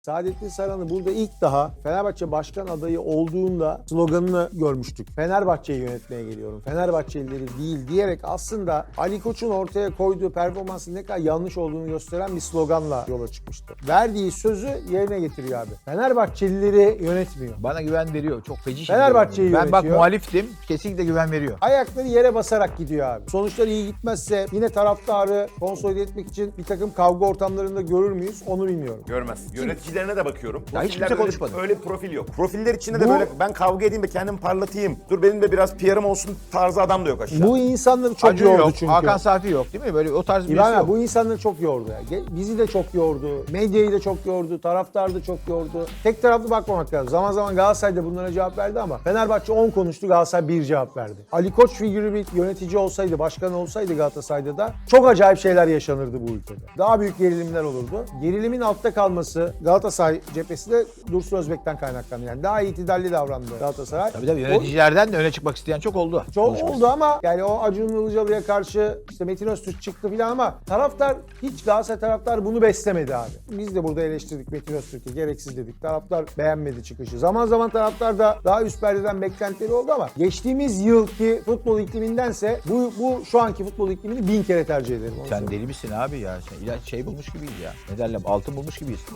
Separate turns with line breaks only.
Saadettin Saran'ı burada ilk daha Fenerbahçe başkan adayı olduğunda sloganını görmüştük. Fenerbahçe'yi yönetmeye geliyorum, Fenerbahçelileri değil diyerek aslında Ali Koç'un ortaya koyduğu performansın ne kadar yanlış olduğunu gösteren bir sloganla yola çıkmıştı. Verdiği sözü yerine getiriyor abi. Fenerbahçelileri yönetmiyor.
Bana güven veriyor. Çok feci
Fenerbahçe'yi
Ben bak
yönetiyor.
muhaliftim. Kesinlikle güven veriyor.
Ayakları yere basarak gidiyor abi. Sonuçlar iyi gitmezse yine taraftarı konsolide etmek için bir takım kavga ortamlarında görür müyüz onu bilmiyorum.
Görmez. Yöneticilerine de bakıyorum.
Ya hiç kimse
Profillerde
konuşmadı.
öyle bir profil yok. Profiller içinde de
Bu-
böyle ben kavga edeyim de kendimi parlatayım. Dur benim de biraz PR'ım olsun tarzı adam da yok aşağı.
Bu insanları çok
Acun
yordu
yok.
çünkü.
Hakan Safi yok değil mi? Böyle o tarz birisi
İbrahim
yok.
abi, bu insanları çok yordu ya. Bizi de çok yordu, medyayı da çok yordu, taraftarı da çok yordu. Tek taraflı bakmamak lazım. Zaman zaman Galatasaray da bunlara cevap verdi ama Fenerbahçe 10 konuştu, Galatasaray 1 cevap verdi. Ali Koç figürü bir yönetici olsaydı, başkan olsaydı Galatasaray'da da çok acayip şeyler yaşanırdı bu ülkede. Daha büyük gerilimler olurdu. Gerilimin altta kalması Galatasaray cephesi de Dursun Özbek'ten kaynaklandı. Yani daha itidalli davrandı Galatasaray.
Tabii yöneticilerden de öne çıkmak isteyen çok oldu.
Çok oldu ama yani o Acun Ilıcalı'ya karşı işte Metin Öztürk çıktı filan ama taraftar hiç Galatasaray taraftar bunu beslemedi abi. Biz de burada eleştirdik Metin Öztürk'ü, gereksiz dedik. Taraftar beğenmedi çıkışı. Zaman zaman taraftar da daha üst perdeden beklentileri oldu ama geçtiğimiz yılki futbol iklimindense bu şu anki futbol iklimini 1000 kere tercih ederim. Onu
Sen
söyleyeyim.
deli misin abi ya? Sen ilaç bulmuş gibiyiz ya. Ne derler? Altın bulmuş gibiyiz.